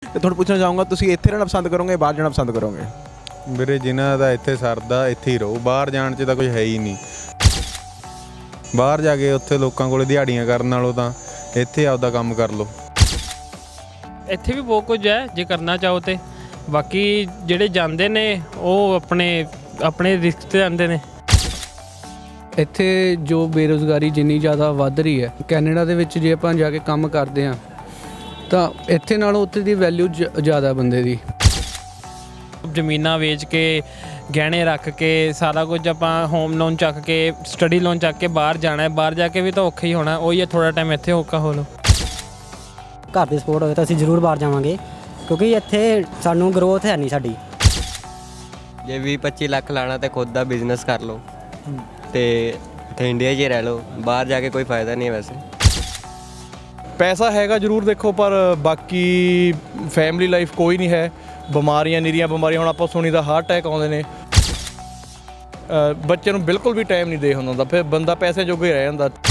ਤੇ ਤੁਹਾਨੂੰ ਪੁੱਛਣਾ ਚਾਹੂੰਗਾ ਤੁਸੀਂ ਇੱਥੇ ਰਹਿਣਾ ਪਸੰਦ ਕਰੋਗੇ ਬਾਹਰ ਜਾਣਾ ਪਸੰਦ ਕਰੋਗੇ? ਵੀਰੇ ਜਿਨ੍ਹਾਂ ਦਾ ਇੱਥੇ ਸਰਦਾ ਇੱਥੇ ਹੀ ਰਹੋ, ਬਾਹਰ ਜਾਣ 'ਚ ਤਾਂ ਕੁਝ ਹੈ ਹੀ ਨਹੀਂ। ਬਾਹਰ ਜਾ ਕੇ ਉੱਥੇ ਲੋਕਾਂ ਕੋਲ ਦਿਹਾੜੀਆਂ ਕਰਨ ਨਾਲੋਂ ਤਾਂ ਇੱਥੇ ਆਪਦਾ ਕੰਮ ਕਰ ਲਓ। ਇੱਥੇ ਵੀ ਬਹੁਤ ਕੁਝ ਹੈ ਜੇ ਕਰਨਾ ਚਾਹੋ ਤੇ, ਬਾਕੀ ਜਿਹੜੇ ਜਾਂਦੇ ਨੇ ਉਹ ਆਪਣੇ ਰਿਸਕ ਤੇ ਜਾਂਦੇ ਨੇ। ਇੱਥੇ ਜੋ ਬੇਰੁਜ਼ਗਾਰੀ ਜਿੰਨੀ ਜ਼ਿਆਦਾ ਵੱਧ ਰਹੀ ਹੈ, ਕੈਨੇਡਾ ਦੇ ਵਿੱਚ ਜੇ ਆਪਾਂ ਜਾ ਕੇ ਕੰਮ ਕਰਦੇ ਹਾਂ ਤਾਂ ਇੱਥੇ ਨਾਲੋਂ ਉੱਥੇ ਦੀ ਵੈਲਿਊ ਜ਼ਿਆਦਾ ਬੰਦੇ ਦੀ। ਜ਼ਮੀਨਾਂ ਵੇਚ ਕੇ, ਗਹਿਣੇ ਰੱਖ ਕੇ, ਸਾਰਾ ਕੁਝ ਆਪਾਂ ਹੋਮ ਲੋਨ ਚੱਕ ਕੇ, ਸਟੱਡੀ ਲੋਨ ਚੱਕ ਕੇ ਬਾਹਰ ਜਾਣਾ ਹੈ। ਬਾਹਰ ਜਾ ਕੇ ਵੀ ਤਾਂ ਔਖਾ ਹੀ ਹੋਣਾ, ਉਹੀ ਹੈ ਥੋੜ੍ਹਾ ਟਾਈਮ ਇੱਥੇ ਔਖਾ ਹੋ ਲਓ। ਘਰ ਦੀ ਸਪੋਰਟ ਹੋਵੇ ਤਾਂ ਅਸੀਂ ਜ਼ਰੂਰ ਬਾਹਰ ਜਾਵਾਂਗੇ, ਕਿਉਂਕਿ ਇੱਥੇ ਸਾਨੂੰ ਗਰੋਥ ਹੈ ਨਹੀਂ ਸਾਡੀ। ਜੇ 20-25 ਲੱਖ ਲਾਣਾ ਤੇ ਖੁਦ ਦਾ ਬਿਜ਼ਨਸ ਕਰ ਲਓ ਤੇ ਇੱਥੇ ਇੰਡੀਆ 'ਚ ਹੀ ਰਹਿ ਲਓ, ਬਾਹਰ ਜਾ ਕੇ ਕੋਈ ਫਾਇਦਾ ਨਹੀਂ ਹੈ ਵੈਸੇ। ਪੈਸਾ ਹੈਗਾ ਜ਼ਰੂਰ ਦੇਖੋ, ਪਰ ਬਾਕੀ ਫੈਮਿਲੀ ਲਾਈਫ ਕੋਈ ਨਹੀਂ ਹੈ। ਬਿਮਾਰੀਆਂ ਨਿਰੀਆਂ ਬਿਮਾਰੀਆਂ, ਹੁਣ ਆਪਾਂ ਸੁਣੀਦਾ ਹਾਰਟ ਅਟੈਕ ਆਉਂਦੇ ਨੇ, ਬੱਚੇ ਨੂੰ ਬਿਲਕੁਲ ਵੀ ਟਾਈਮ ਨਹੀਂ ਦੇ ਹੁੰਦਾ, ਫਿਰ ਬੰਦਾ ਪੈਸੇ ਜੋਗਾ ਹੀ ਰਹਿ ਜਾਂਦਾ।